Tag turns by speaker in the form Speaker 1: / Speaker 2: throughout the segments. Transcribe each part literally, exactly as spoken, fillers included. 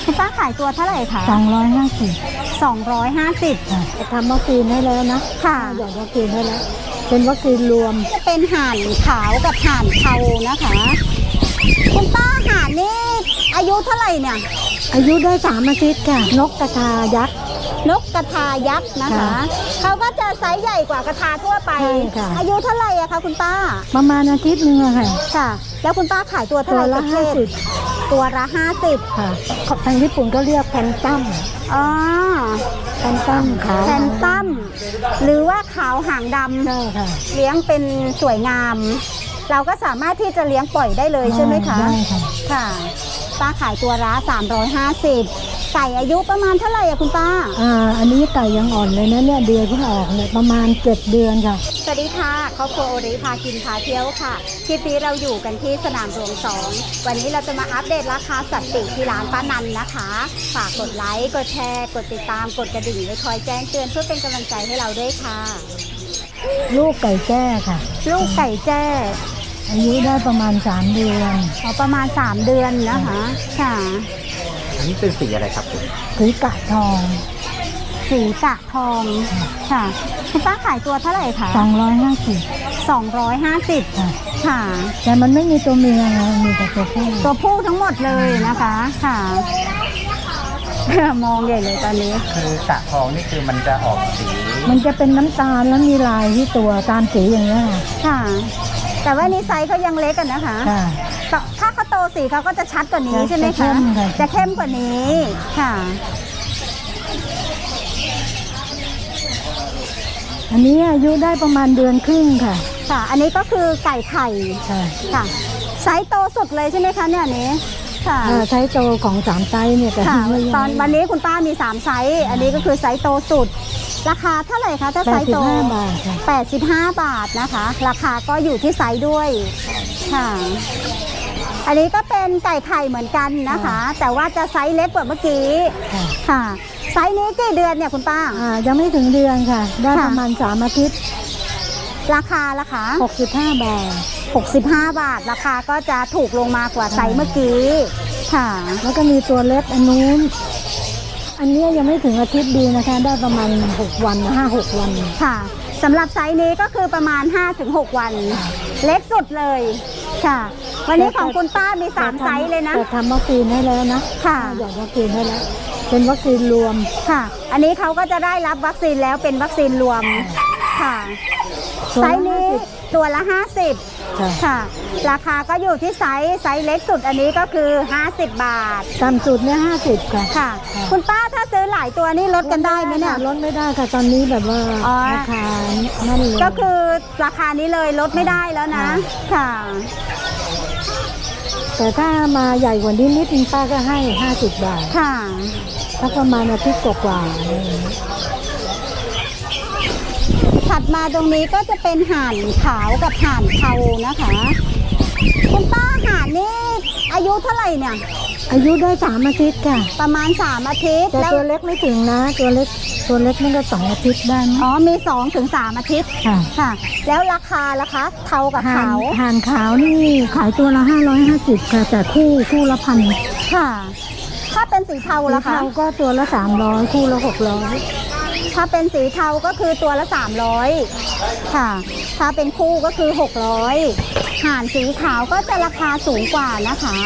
Speaker 1: คุณป้าขายตัวเท่าไหร่คะ
Speaker 2: สองร้อยห้าสิบ
Speaker 1: สองร้อยห้าสิบ
Speaker 2: ทำวัคซีนให้แล้วนะ
Speaker 1: ค่ะ
Speaker 2: หยอดวัคซีนให้แล้วเป็นวัคซีนรวม
Speaker 1: จะเป็นห่านขาวกับห่านเทานะคะคุณป้าห่านนี่อายุเท่าไหร่เนี่ย
Speaker 2: อายุได้สามอาทิตย์ค่ะนกกระทายักษ์
Speaker 1: นกกระทายักษ์นะคะเขาก็จะไซส์ใหญ่กว่ากระทาทั่วไปอายุเท่าไหร่อะคะคุณป้า
Speaker 2: ประมาณอาทิตย์นึงค่ะ
Speaker 1: ค่ะแล้วคุณป้าขายตัวเท่าไหร่
Speaker 2: ละห้าสิบ
Speaker 1: ตัวละห้าสิบ
Speaker 2: ค่ะทางญี่ปุ่นก็เรียกแพนตัม
Speaker 1: อ๋อ
Speaker 2: แพนตัมขาว
Speaker 1: แพนตัมหรือว่าขาวหางดำ
Speaker 2: ใช่ค่ะ
Speaker 1: เลี้ยงเป็นสวยงามเราก็สามารถที่จะเลี้ยงปล่อยได้เลยใช่ไหมคะ
Speaker 2: ได้ค่ะ
Speaker 1: ค่ะป้าขายตัวละสามร้อยห้าสิบไก่อายุประมาณเท่าไหร่อะคุณป้า
Speaker 2: อ่าอันนี้ไก่ยังอ่อนเลยนะเนี่ยเดือนเพิ่งออกเนี่ยประมาณเจ็ดเดือนค่ะ
Speaker 1: สวัสดีค่ะครอบครัวโอริพากินพาเที่ยวค่ะคลิปนี้เราอยู่กันที่สนามหลวงสองวันนี้เราจะมาอัปเดตราคาสัตว์ปีกที่ร้านป้านันนะคะฝากกดไลค์กดแชร์กดติดตามกดกระดิ่งไว้คอยแจ้งเตือนเพื่อเป็นกำลังใจให้เราด้วยค่ะ
Speaker 2: ลูกไก่แจ้ค่ะ
Speaker 1: ลูกไก่แจ้
Speaker 2: อายุได้ประมาณสามเดือน
Speaker 1: อ๋อประมาณสามเดือนนะคะค่ะ
Speaker 3: อันนี้เป็นสีอะไรครับ
Speaker 2: สีกะทอง
Speaker 1: สีกะทองค่ะคุณป้าขายตัวเท่าไหร่คะ
Speaker 2: สองร้อยห้าสิบ
Speaker 1: สองร้อยห้าสิบค่ะ
Speaker 2: แต่มันไม่มีตัวเมียไงมีแต่ตัวผู้
Speaker 1: ตัวผู้ทั้งหมดเลยนะคะค่ะมองใหญ่เลยตอนนี้
Speaker 3: คือกะทองนี่คือมันจะออกสี
Speaker 2: มันจะเป็นน้ำตาลแล้วมีลายที่ตัวตามสีอย่างนี้
Speaker 1: ค่ะแต่ว่านี้ไซส์เขายังเล็กกันนะคะถ้าเขาโตสีเขาก็จะชัดกว่านี้ใช่ไหมคะจะเข้มกว่านี้ค่ะ
Speaker 2: อันนี้อายุได้ประมาณเดือนครึ่งค่ะ
Speaker 1: ค่ะอันนี้ก็คือไก่ไข่
Speaker 2: ค่ะ
Speaker 1: ค่ะไซส์โตสุดเลยใช่ไหมคะเนี่ยอันนี้ค่ะ
Speaker 2: ไซส์โตของสามไซส์เนี่ย
Speaker 1: ค่ะตอนวันนี้คุณป้ามีสามไซส์อันนี้ก็คือไซส์โตสุดราคาเท่าไหร่คะถ้าไซส์โตแปดสิบห้าบาทนะคะราคาก็อยู่ที่ไซส์ด้วยค่ะอันนี้ก็เป็นไก่ไข่เหมือนกันนะคะแต่ว่าจะไซส์เล็กกว่าเมื่อกี้ค่ะไซส์นี้กี่เดือนเนี่ยคุณป้า
Speaker 2: อ่ายังไม่ถึงเดือนค่ะได้ประมาณสามอาทิตย์
Speaker 1: ราคาราคา
Speaker 2: หกสิบห้าบาท
Speaker 1: หกสิบห้าบาทราคาก็จะถูกลงมากว่าไซส์เมื่อกี้ค่ะ
Speaker 2: แล้วก็มีตัวเล็กอันนู้นอันนี้ยังไม่ถึงอาทิตย์ดีนะคะได้ประมาณหกวันห้าหกวัน
Speaker 1: ค่ะสำหรับไซส์นี้ก็คือประมาณ ห้าถึงหก วันเล็กสุดเลยค่ะวันนี้ของคุณป้ามีสามไซส์เลยนะ
Speaker 2: แต่ทำวัคซีนให้แล้วนะ
Speaker 1: ค่ะ
Speaker 2: หยอดวัคซีนให้แล้วเป็นวัคซีนรวม
Speaker 1: ค่ะอันนี้เขาก็จะได้รับวัคซีนแล้วเป็นวัคซีนรวมค่ะไซส์นี้ตัวละห้าสิบค่ะราคาก็อยู่ที่ไซส์ไซส์เล็กสุดอันนี้ก็คือห้าสิบบาท
Speaker 2: ต่ำสุดเนี่ยห้าสิบค่ะ
Speaker 1: ค่ะคุณป้าถ้าซื้อหลายตัวนี่ลดกันได้ไหมเนี่ย
Speaker 2: ลดไม่ได้ค่ะตอนนี้แบบว่าราคานั่นเลย
Speaker 1: ก็คือราคานี้เลยลดไม่ได้แล้วนะค่ะ
Speaker 2: แต่ถ้ามาใหญ่กว่านี้นิดนึงป้าก็ให้ห้าสิบบาท
Speaker 1: ค่ะ
Speaker 2: ถ้าประมาณอาทิตย์กว่า
Speaker 1: ถัดมาตรงนี้ก็จะเป็นห่านขาวกับห่านเทานะคะคุณป้าห่านนี่อายุเท่าไหร่เนี่ย
Speaker 2: อายุได้สามอาทิตย์ค่ะ
Speaker 1: ประมาณสามอาทิตย์
Speaker 2: แต่ตัวเล็กไม่ถึงนะตัวเล็กตัวเล็กมันก็สองอาทิตย์ได้
Speaker 1: อ๋อมีสองถึงสามอาทิตย์
Speaker 2: ค่ะ
Speaker 1: ค่ะแล้วราคาล่ะคะเทากับขาว
Speaker 2: ห่านขาวนี่ขายตัวละห้าร้อยห้าสิบค่ะแต่คู่คู่ละพัน
Speaker 1: ค่ะถ้าเป็นสีเทาล่ะคะ
Speaker 2: เทาก็ตัวละสามร้อยคู่ละหกร้อย
Speaker 1: ถ้าเป็นสีเทาก็คือตัวละสามร้อยค่ะถ้าเป็นคู่ก็คือหกร้อยห่านสีขาวก็จะราคาสูงกว่านะคะ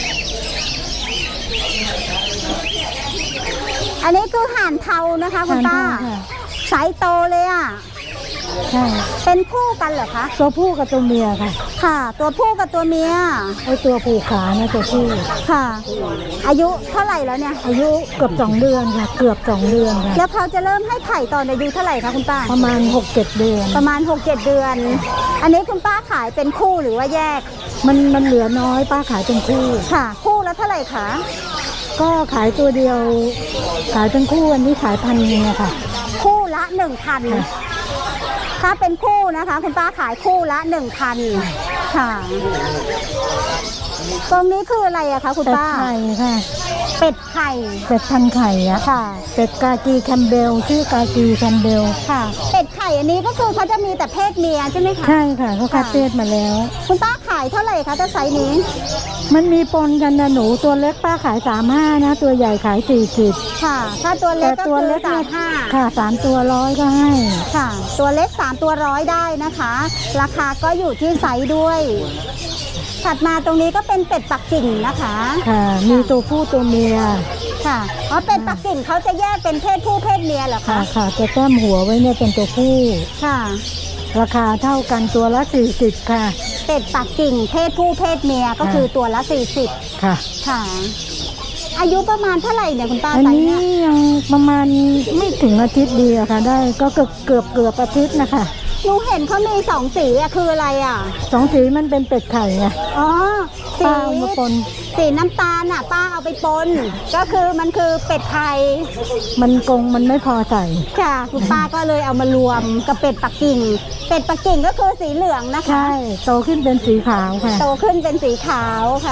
Speaker 1: อันนี้คือห่านเทานะคะคุณป้าไซส์โตเลยอ่ะ
Speaker 2: ใช่
Speaker 1: เป็นคู่กันเหรอคะ
Speaker 2: ตัวผู้กับตัวเมียค่ะ
Speaker 1: ค่ะตัวผู้กับตัวเมีย
Speaker 2: ไอตัวผูกขานะตัวผู้
Speaker 1: ค่ะอายุเท่าไหร่แล้วเนี่ย
Speaker 2: อายุเกือบสองเดือนค่ะเกือบสองเดือนค่ะ
Speaker 1: แล้วเขาจะเริ่มให้ไข่ตอนอายุเท่าไหร่คะคุณป้า
Speaker 2: ประมาณหกเจ็ดเดือน
Speaker 1: ประมาณหกเจ็ดเดือนอันนี้คุณป้าขายเป็นคู่หรือว่าแยก
Speaker 2: มันมันเหลือน้อยป้าขายเป็นคู่
Speaker 1: ค่ะคู่แล้วเท่าไหร่คะ
Speaker 2: ก็ขายตัวเดียวขายเป็นคู่อันนี้ขายพันนึงอะค่ะ
Speaker 1: คู่ละหนึ่งพันถ้าเป็นคู่นะคะคุณป้าขายคู่ละหนึ่งพันค่ะตรงนี้คืออะไรอะคะคุณป้า
Speaker 2: ไข่ค่ะ
Speaker 1: เป็ดไข่
Speaker 2: เป็ดพันไข่อะ
Speaker 1: ค่ะ
Speaker 2: เป็ดกากีแคมเบลชื่อกากีแคมเบล
Speaker 1: ค่ะ เป็ดไข่อันนี้ก็คือเขาจะมีแต่เพศเมียใช่ไหมคะ
Speaker 2: ใช่ค่ะเขาคัดเลือดมาแล้ว
Speaker 1: คุณป้าขายเท่าไหร่คะถ้าไซส์นี้
Speaker 2: มันมีปนกันนะหนูตัวเล็กป้าขายสามห้านะตัวใหญ่ขายสี่สิบ
Speaker 1: ค่ะ ถ้าตัวเล็
Speaker 2: แต่
Speaker 1: กก็
Speaker 2: ตัว
Speaker 1: คือ
Speaker 2: เล็ก
Speaker 1: สา
Speaker 2: เนี่
Speaker 1: ม
Speaker 2: ย
Speaker 1: ห้า
Speaker 2: ค่ะสามตัวร้อยก็ให้
Speaker 1: ค่ะ ตัวเล็กสามตัวร้อยได้นะคะ ราคาก็อยู่ที่ไซส์ด้วย ถัดมาตรงนี้ก็เป็นเป็ดปักกิ่งนะคะ
Speaker 2: ค่ะ มีตัวผู้ตัวเมีย
Speaker 1: ค่ะอ๋อเป็ดปักกิ่งเขาจะแยกเป็นเพศผู้เพศเมียเหรอ
Speaker 2: ค่ะ
Speaker 1: คะ
Speaker 2: ค่ะจะแต้มหัวไว้เนี่ยเป็นตัวผู้
Speaker 1: ค่ะ
Speaker 2: ราคาเท่ากันตัวละสี่สิบค่ะ
Speaker 1: เป็ดปักกิ่งเพศผู้เพศเมียก็คือตัวละสี่สิบ
Speaker 2: ค่ะ
Speaker 1: ค่ะ อายุประมาณเท่าไหร่เนี่ยคุณป้า
Speaker 2: อัน
Speaker 1: ไซส์
Speaker 2: นี้
Speaker 1: เนี่ย
Speaker 2: ยังประมาณไม่ถึงอาทิตย์เดียวค่ะ ได้ก็เกือบเกือบเกือบอาทิตย์นะคะ
Speaker 1: หนูเห็นเขามีสองสีอะคืออะไรอะ
Speaker 2: สองสีมันเป็นเป็ดไข่ไง
Speaker 1: อ๋อสี
Speaker 2: ป้าเอามาปน
Speaker 1: สีน้ำตาลน่ะป้าเอาไปปน ก็คือมันคือเป็ดไข่
Speaker 2: มันกงมันไม่พอใส่
Speaker 1: ค่ะคุณป้าก็เลยเอามารวมกับเป็ดปักกิ่ง เป็ดปักกิ่งก็คือสีเหลืองนะคะ
Speaker 2: ใช่โตขึ้นเป็นสีขาวค่ะ
Speaker 1: โตขึ้นเป็นสีขาวค่ะ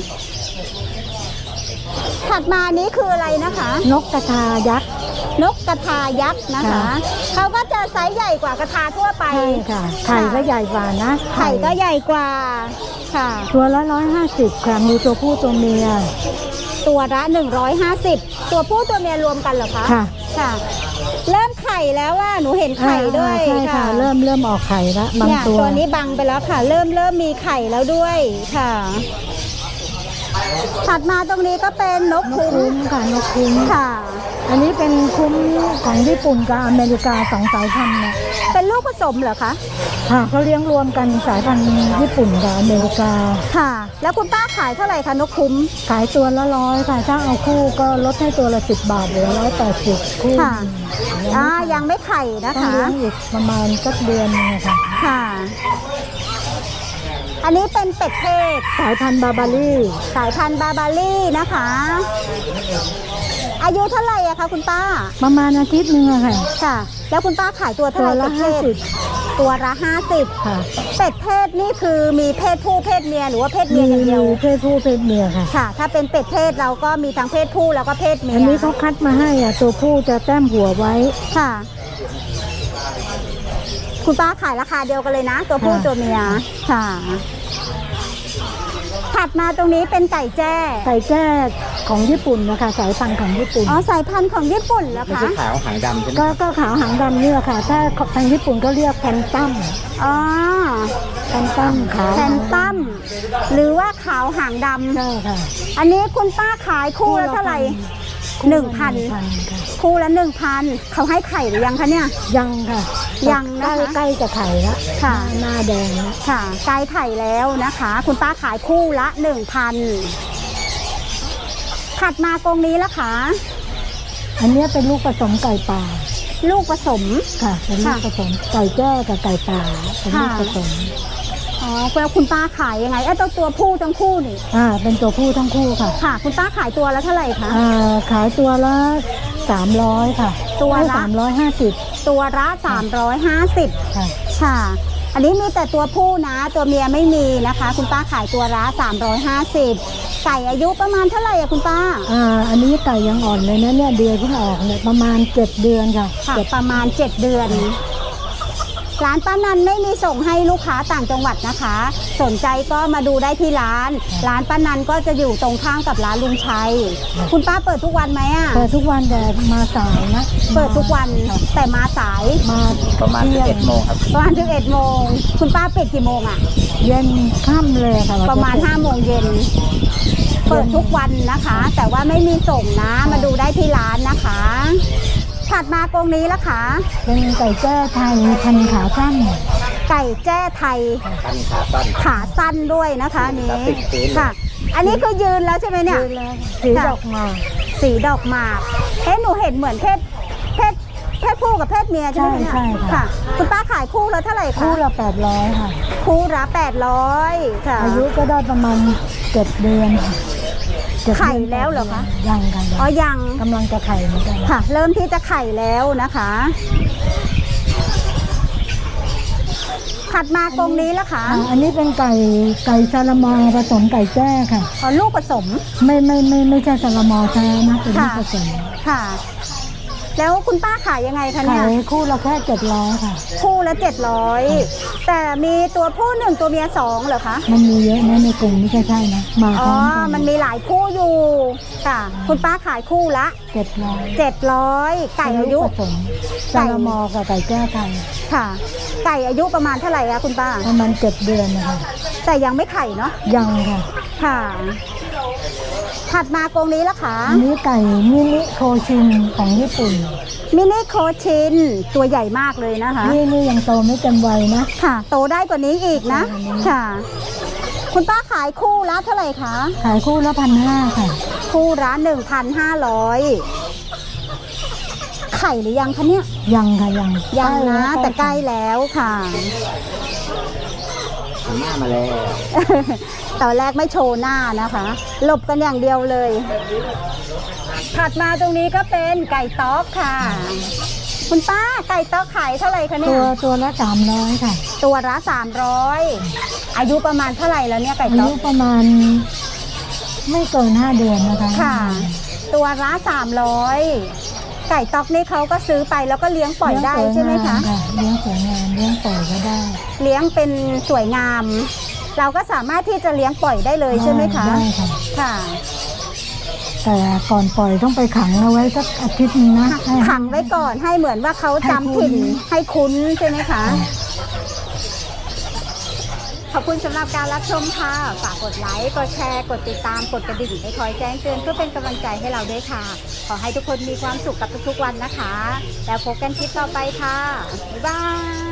Speaker 1: ถัดมานี้คืออะไรนะคะ
Speaker 2: นกกระทายักษ์
Speaker 1: นกกระทายักษ์นะคะ
Speaker 2: ค่ะ
Speaker 1: เขาก็จะไซส์ใหญ่กว่ากระทาทั่วไป
Speaker 2: ใช่ค่ะไข่ก็ใหญ่กว่านะ
Speaker 1: ไข่ก็ใหญ่กว่าค่ะ
Speaker 2: ตัวละร้อยห้าสิบค่ะมีตัวผู้ตัวเมีย
Speaker 1: ตัวละหนึ่งร้อยห้าสิบตัวผู้ตัวเมียรวมกันเหรอคะ
Speaker 2: ค่ะ
Speaker 1: ค่ะ เริ่มไข่แล้วว่าหนูเห็นไข่ด้วย
Speaker 2: อ่าใช่ค่ะ เริ่มเริ่มออกไข่แล้วบาง
Speaker 1: เนี่ย
Speaker 2: ตัว
Speaker 1: ตัวนี้บังไปแล้วค่ะ เริ่มเริ่มมีไข่แล้วด้วยค่ะ ถัดมาตรงนี้ก็เป็นนก
Speaker 2: นก
Speaker 1: คุ้ม
Speaker 2: คุ้มค่ะนกคุ้ม
Speaker 1: ค่ะ
Speaker 2: อันนี้เป็นคุ้มของญี่ปุ่นกับอเมริกาสองสายพันธุ์เนี่ย
Speaker 1: เป็นลูกผสมเหรอคะ
Speaker 2: ค่ะเขาเลี้ยงรวมกันสายพันธุ์ญี่ปุ่นกับอเมริกา
Speaker 1: ค่ะ แล้วคุณป้าขายเท่าไหร่คะนกคุ้ม
Speaker 2: ขายตัวละร้อยค่ะถ้าเอาคู่ก็ลดให้ตัวละสิบบาทเหลือร้อยแปดสิบคู่
Speaker 1: ค่ะ อ่ายังไม่ไข่นะ
Speaker 2: ต้อง
Speaker 1: คะ
Speaker 2: เลี้ยงอีกประมาณสักเดือนนึงอะค่ะ
Speaker 1: ค่ะ อันนี้เป็นเป็ดเทศ
Speaker 2: สายพันธุ์บาบารี่
Speaker 1: สายพันธุ์บาบารี่นะคะ อายุเท่าไหร่อะคะคุณป้า
Speaker 2: ประมาณอาทิตย์หนึงอะค่ะ
Speaker 1: ค่ะ แล้วคุณป้าขายตัวเท่า
Speaker 2: ตั
Speaker 1: ไห
Speaker 2: ว
Speaker 1: ร่
Speaker 2: ละ
Speaker 1: เป็ดเท
Speaker 2: ห้า
Speaker 1: ศ
Speaker 2: สิบ
Speaker 1: ตัวละห้าสิบ
Speaker 2: ค่ะ
Speaker 1: เป็ดเทศนี่คือมีเพศผู้เพศเมียหรือว่าเพศเมี
Speaker 2: มี
Speaker 1: ยอย่างเดียว
Speaker 2: เพศผู้เพศเมียค่ะ
Speaker 1: ค่ะ ถ้าเป็นเป็ดเทศเราก็มีทั้งเพศผู้แล้วก็เพศเมีย
Speaker 2: อันนี้เขาคัดมาให้อ่ะตัวผู้จะแต้มหัวไว้
Speaker 1: ค่ะ คุณป้าขายราคาเดียวกันเลยนะ ตัวผู้
Speaker 2: ค่ะ
Speaker 1: ตัวเมียค่ะ ถัดมาตรงนี้เป็นไก่แจ้
Speaker 2: ไก่แจ้ของญี่ปุ่นนะคะสายพันธุ์ของญี่ปุ่น
Speaker 1: อ๋อสายพันธุ์ของญี่ปุ่นเหรอ
Speaker 3: ไม่
Speaker 1: คะ
Speaker 3: ใช่ขาวหางดำใช่ไหม
Speaker 2: ก็ก็ขาวหางดำเนี่ยค่ะ ถ้าทางญี่ปุ่นก็เรียกแพนตัม
Speaker 1: อ๋อ
Speaker 2: แพนตัมขาว
Speaker 1: แพนตัมหรือว่าขาวหางด
Speaker 2: ใช่ค่ะ
Speaker 1: ำอันนี้คุณป้าขายคู่ละเท่าไหร่ หนึ่งพัน
Speaker 2: ค่ะ
Speaker 1: คู่ละหนึ่งพันเขาให้ไข่หรือยังคะเนี่ย
Speaker 2: ยังค่ะ
Speaker 1: ยังนะคะ
Speaker 2: ใกล้ๆจะไข่ละ
Speaker 1: ค่ะ
Speaker 2: หน้าแดงละ
Speaker 1: ค่ะไก่ไข่แล้วนะคะ คุณป้าขายคู่ละหนึ่งพันถัดมากรงนี้ละคะ
Speaker 2: อันเนี้ยเป็นลูกผสมไก่ป่า
Speaker 1: ลูกผสม
Speaker 2: ค่ะ เป็นลูก
Speaker 1: ค่ะ
Speaker 2: ผสมไก่แจ้กับไก่ป่าเป็นลูก
Speaker 1: ค่ะ
Speaker 2: ผสม
Speaker 1: อ๋อแล้วคุณป้าขายยังไงเอ้ตัวตัวผู้ทั้งคู่นี่
Speaker 2: อ่าเป็นตัวผู้ทั้งคู่ค่ะ
Speaker 1: ค่ะ คุณป้าขายตัวละเท่าไหร่คะ
Speaker 2: อ่าขายตัวละสามร้อยค่ะ
Speaker 1: ตัวละ
Speaker 2: สามร้อยห้าสิบ
Speaker 1: ตัวละสามร้อยห้าสิบ
Speaker 2: ค่ะ
Speaker 1: ค่ะ อันนี้มีแต่ตัวผู้นะ ตัวเมียไม่มีนะคะ คุณป้าขายตัวละสามร้อยห้าสิบไก่อายุประมาณเท่าไหร่อะคุณป้า
Speaker 2: อ่าอันนี้ไก่ยังอ่อนเลยนะเนี่ยเดือนเพิ่งออกเนี่ยประมาณเจ็ดเดือนค่ะ
Speaker 1: ค่ะ
Speaker 2: เจ็ด
Speaker 1: ประมาณเจ็ดเดือน ร้านป้านันไม่มีส่งให้ลูกค้าต่างจังหวัดนะคะ สนใจก็มาดูได้ที่ร้าน ร้านป้านันก็จะอยู่ตรงข้ามกับร้านลุงชัย คุณป้าเปิดทุกวันไหมอะ
Speaker 2: เปิดทุกวันแต่มาสายนะ
Speaker 1: เปิดทุกวัน
Speaker 2: ค่ะ
Speaker 1: แต่มาสาย
Speaker 2: มา
Speaker 3: ประมาณ
Speaker 2: ที่ย
Speaker 3: สิบเอ็ดโมงครับ
Speaker 1: ประมาณสิบเอ็ดโมงคุณป้าปิดกี่โมงอะ
Speaker 2: เย็นค่ำเลยค่ะ
Speaker 1: ประมาณห้าโมงเย็น เปิดทุกวันนะคะ แต่ว่าไม่มีส่งนะ มาดูได้ที่ร้านนะคะ ถัดมากรงนี้ละคะ
Speaker 2: เป็นไก่แจ้ไทยพันธุ์ขาสั้น
Speaker 1: ไก่แจ้ไทย
Speaker 3: ตั้นขาสั้น
Speaker 1: ขาสั้นด้วยนะคะอันนี้
Speaker 3: แล้วติดพื้นเลย
Speaker 1: ค่ะ อันนี้คือยืนแล้วใช่ไหมเนี่ย
Speaker 2: ยืนแล้วสีดอกหมาก
Speaker 1: สีดอกหมากเอ๊ะหนูเห็นเหมือนเพศเพศเพศผู้กับเพศเมียใช่ไหมเนี่ย
Speaker 2: ใช่ใช่ค่ะ
Speaker 1: ค่ะ คุณป้าขายคู่ละเท่าไหร่คะ
Speaker 2: คู่ละแปดร้อยค่ะ
Speaker 1: คู่ละแปดร้อยค่ะ
Speaker 2: อายุก็ได้ประมาณเจ็ดเดือนค่ะเจ็ดเดือน
Speaker 1: ไข่แล้วเหรอคะ
Speaker 2: ยังค่ะ
Speaker 1: อ๋อ
Speaker 2: ยัง
Speaker 1: ยัง
Speaker 2: กำลังจะไข่เหมือนกัน
Speaker 1: ค่ะ เริ่มที่จะไข่แล้วนะคะถัดมากรงนี้แล้วคะ
Speaker 2: อ่าอันนี้เป็นไก่ไก่ซาลามอผสมไก่แจ้ค่ะ
Speaker 1: อ๋อลูกผสม
Speaker 2: ไม่ไม่ไม่ไม่ใช่ซาลามอแท้นะเป็นลูกผสม
Speaker 1: ค่ะ แล้วคุณป้าขายยังไงคะเนี่
Speaker 2: ขาย ยคู่ละแค่เจ็ดร้อยค่ะ
Speaker 1: คู่ละเจ็ดร้อยแต่มีตัวผู้หนึ่งตัวเมียสองเหรอคะ
Speaker 2: มันมีเยอะนะในกลุ่มนี้ใช่ใช่นะมาพ
Speaker 1: อ๋
Speaker 2: ร้
Speaker 1: อ
Speaker 2: อมกัน
Speaker 1: มันมีหลายคู่อยู่ค่ะ คุณป้าขายคู่ละ
Speaker 2: เจ็ดร้อย
Speaker 1: เจ็ดร้อยไก่อายุ
Speaker 2: ผสมซาลามอกับไก่แจ้ไทย
Speaker 1: ค่ะ ไก่อายุประมาณเท่าไหร่คะคุณป้า
Speaker 2: ประมาณเจ็ดเดือนนะคะ
Speaker 1: แต่ยังไม่ไข่เนาะ
Speaker 2: ยังค่ะ
Speaker 1: ค่ะ ถัดมากรงนี้ละคะ
Speaker 2: อันนี้ไก่มินิโคชินของญี่ปุ่น
Speaker 1: มินิโคชินตัวใหญ่มากเลยนะคะ
Speaker 2: นี่นี่ยังโตไม่เต็มวัยนะ
Speaker 1: ค่ะ โตได้กว่านี้อีกนะ
Speaker 2: โตกว่านี้
Speaker 1: ค่ะ คุณป้าขายคู่ละเท่าไหร่คะ
Speaker 2: ขายคู่ละพันห้าค่ะ
Speaker 1: คู่ละหนึ่งพันห้าร้อยไข่หรือยังคะเนี่ย
Speaker 2: ยังค่ะยัง
Speaker 1: ยังนะ
Speaker 2: ล้
Speaker 1: แต่ใกล้แล้วค่ะ
Speaker 3: หันหน้ามาแล้ว
Speaker 1: ตอนแรกไม่โชว์หน้านะคะ หลบกันอย่างเดียวเลย ถัดมาตรงนี้ก็เป็นไก่ต๊อกค่ะ คุณป้าไก่ต๊อกขายเท่าไหร่คะเนี่
Speaker 2: ตั
Speaker 1: ย
Speaker 2: วตัวละสามร้อยค่ะ
Speaker 1: ตัวละสามร้อยอายุประมาณเท่าไหร่แล้วเนี่ยไก่
Speaker 2: อา
Speaker 1: ต๊อ
Speaker 2: ยุ
Speaker 1: ก
Speaker 2: ประมาณไม่เกินห้าเดือนนะคะ
Speaker 1: ค่ะ ตัวละสามร้อยไก่ต๊อกนี่เขาก็ซื้อไปแล้วก็เลี้ยงปล่อยได้ใช่ไหมคะ
Speaker 2: เลี้ยงสวยงามเลี้ยงปล่อยก็ได้
Speaker 1: เลี้ยงเป็นสวยงาม เราก็สามารถที่จะเลี้ยงปล่อยได้เลยใช่ไหมคะ
Speaker 2: ได้ค่ะ
Speaker 1: ค่ะ
Speaker 2: แต่ก่อนปล่อยต้องไปขังเอาไว้สักอาทิตย์นึงนะให้
Speaker 1: ขังไว้ก่อนให้เหมือนว่าเขาจำถิ่นให้คุ้นใช่ไหมคะ ขอบคุณสำหรับการรับชมค่ะ ฝากกดไลค์ กดแชร์ กดติดตาม กดกระดิ่งให้คอยแจ้งเตือนเพื่อเป็นกำลังใจให้เราด้วยค่ะ ขอให้ทุกคนมีความสุขกับทุกๆวันนะคะ แล้วพบกันคลิปต่อไปค่ะ บ๊ายบาย